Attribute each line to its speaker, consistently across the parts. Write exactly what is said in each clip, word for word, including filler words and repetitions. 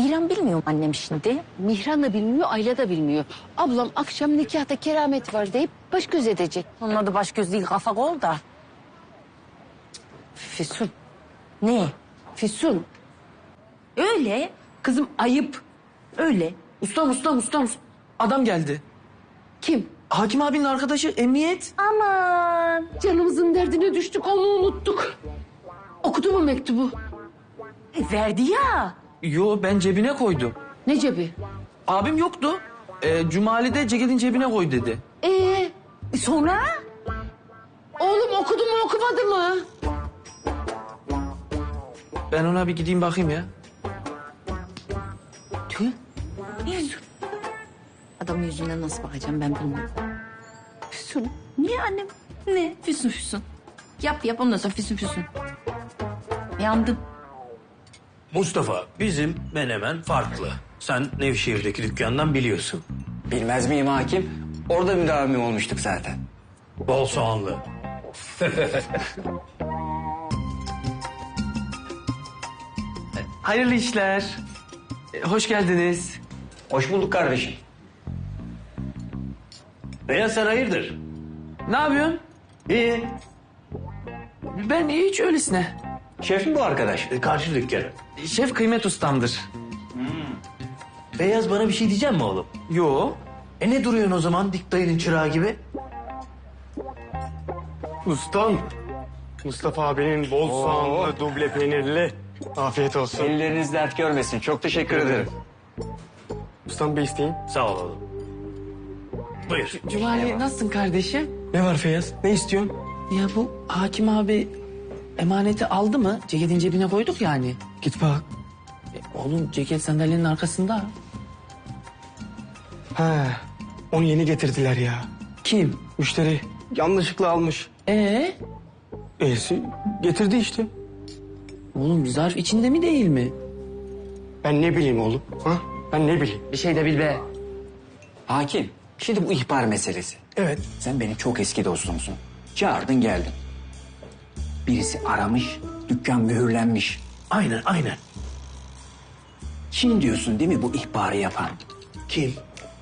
Speaker 1: Mihran bilmiyor mu annem şimdi?
Speaker 2: Mihran da bilmiyor, Ayla da bilmiyor. Ablam akşam nikahta keramet var deyip baş göz edecek.
Speaker 1: Onun adı baş göz değil, kafa kol da.
Speaker 2: Füsun,
Speaker 1: Ne?
Speaker 2: Füsun.
Speaker 1: Öyle.
Speaker 2: Kızım ayıp.
Speaker 1: Öyle.
Speaker 3: Ustam, ustam, ustam. Adam geldi.
Speaker 2: Kim?
Speaker 3: Hakim abinin arkadaşı emniyet.
Speaker 1: Aman.
Speaker 2: Canımızın derdine düştük, onu unuttuk. Okudu mu mektubu?
Speaker 1: E, verdi ya.
Speaker 3: Yo, ben cebine koydum.
Speaker 2: Ne cebi?
Speaker 3: Abim yoktu. Ee, Cumali de ceketin cebine koy dedi.
Speaker 2: Ee,
Speaker 1: E, sonra?
Speaker 2: oğlum okudu mu okumadı mı?
Speaker 3: Ben ona bir gideyim bakayım ya.
Speaker 1: Tüh. Adamın yüzüne nasıl bakacağım ben bilmiyorum.
Speaker 2: Füsun.
Speaker 1: Niye annem? Ne? Füsun füsun. Yap yap ondan sonra füsun füsun. Yandım.
Speaker 4: Mustafa, bizim menemen farklı. Sen Nevşehir'deki dükkandan biliyorsun.
Speaker 5: Bilmez miyim hakim? Orada müdavimim olmuştuk zaten.
Speaker 4: Bol soğanlı.
Speaker 3: Hayırlı işler. Ee, hoş geldiniz.
Speaker 5: Hoş bulduk kardeşim.
Speaker 4: Beyaz sen hayırdır?
Speaker 3: Ne yapıyorsun?
Speaker 4: İyi.
Speaker 3: Ben hiç öylesine.
Speaker 5: Şef mi bu arkadaş?
Speaker 4: E, karşı dükkan.
Speaker 3: Şef kıymet ustamdır.
Speaker 4: Beyaz bana bir şey diyecek mi oğlum?
Speaker 3: Yo.
Speaker 4: E ne duruyorsun o zaman dik dayının çırağı gibi?
Speaker 6: Ustam, Mustafa abinin bol soğanlı, duble peynirli. Afiyet olsun.
Speaker 5: Elleriniz dert görmesin. Çok teşekkür ederim.
Speaker 6: Ustam bir isteyin.
Speaker 4: Sağ ol oğlum. Buyur.
Speaker 3: Cumali nasılsın kardeşim?
Speaker 6: Ne var Feyyaz? Ne istiyorsun?
Speaker 3: Ya bu hakim abi emaneti aldı mı? Ceketin cebine koyduk yani.
Speaker 6: Git bak.
Speaker 3: E, oğlum ceket sandalyenin arkasında.
Speaker 6: Ha, onu yeni getirdiler ya.
Speaker 3: Kim?
Speaker 6: Müşteri yanlışlıkla almış.
Speaker 3: Ee?
Speaker 6: E'si getirdi işte.
Speaker 3: Oğlum zarf içinde mi değil mi?
Speaker 6: Ben ne bileyim oğlum? Ha? Ben ne bileyim?
Speaker 3: Bir şey de bil be.
Speaker 5: Hakim, şimdi bu ihbar meselesi.
Speaker 6: Evet.
Speaker 5: Sen benim çok eski dostumsun. Çağırdın geldin. Birisi aramış, dükkan mühürlenmiş.
Speaker 4: Aynen aynen.
Speaker 5: Kim diyorsun değil mi bu ihbarı yapan?
Speaker 4: Kim?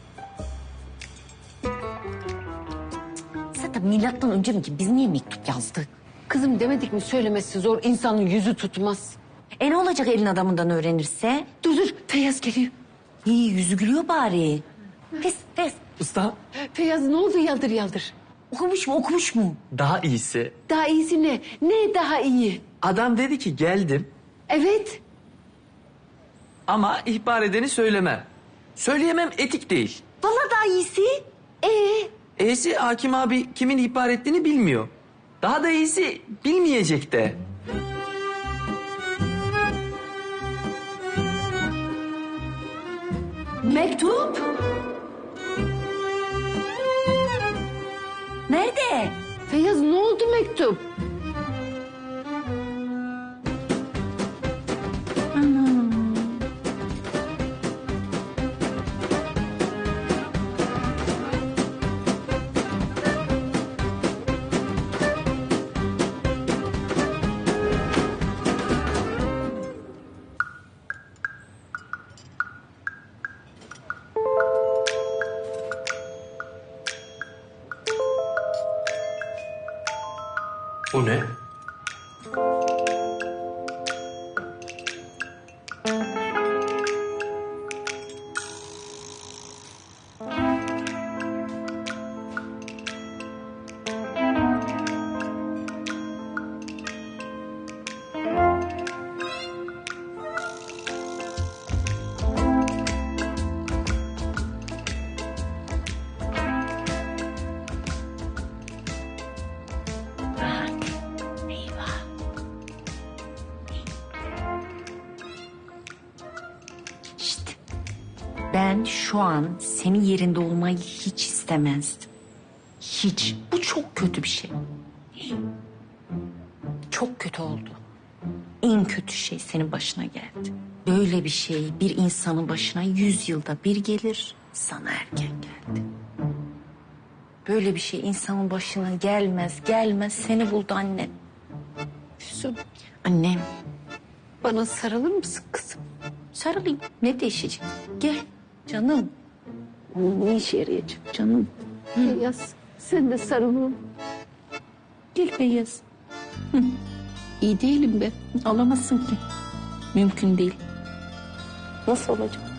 Speaker 1: Zaten milattan önce mi ki biz niye mektup yazdık?
Speaker 2: Kızım demedik mi söylemesi zor, insanın yüzü tutmaz.
Speaker 1: E ne olacak elin adamından öğrenirse?
Speaker 2: Dur dur, Feyyaz geliyor.
Speaker 1: İyi yüzü gülüyor bari. Pes pes.
Speaker 3: Usta
Speaker 2: Feyyaz ne oldu yaldır yaldır?
Speaker 1: Okumuş mu okumuş mu?
Speaker 3: daha iyisi.
Speaker 2: Daha iyisi ne? Ne daha iyi?
Speaker 3: Adam dedi ki geldim
Speaker 2: Evet.
Speaker 3: ama ihbar edeni söylemem. Söyleyemem etik değil.
Speaker 1: Vallahi daha iyisi.
Speaker 2: Ee,
Speaker 3: E'si hakim abi kimin ihbar ettiğini bilmiyor. Daha da iyisi bilmeyecek de.
Speaker 1: Mektup. Nerede?
Speaker 2: Feyyaz ne oldu mektup?
Speaker 4: Bu ne?
Speaker 1: İşte ben şu an senin yerinde olmayı hiç istemezdim. Hiç. Bu çok kötü bir şey. Çok kötü oldu. En kötü şey senin başına geldi. Böyle bir şey bir insanın başına yüz yılda bir gelir. Sana erken geldi. Böyle bir şey insanın başına gelmez gelmez seni buldu annem.
Speaker 2: Füsun,
Speaker 1: Annem.
Speaker 2: bana sarılır mısın kızım?
Speaker 1: Sarılayım. Ne değişecek? Gel canım.
Speaker 2: Ne işe yarayacak canım? Beyaz, sen de sarılın.
Speaker 1: Gel Beyaz.
Speaker 2: İyi değilim ben.
Speaker 1: Alamazsın ki. Mümkün değil. Nasıl olacak?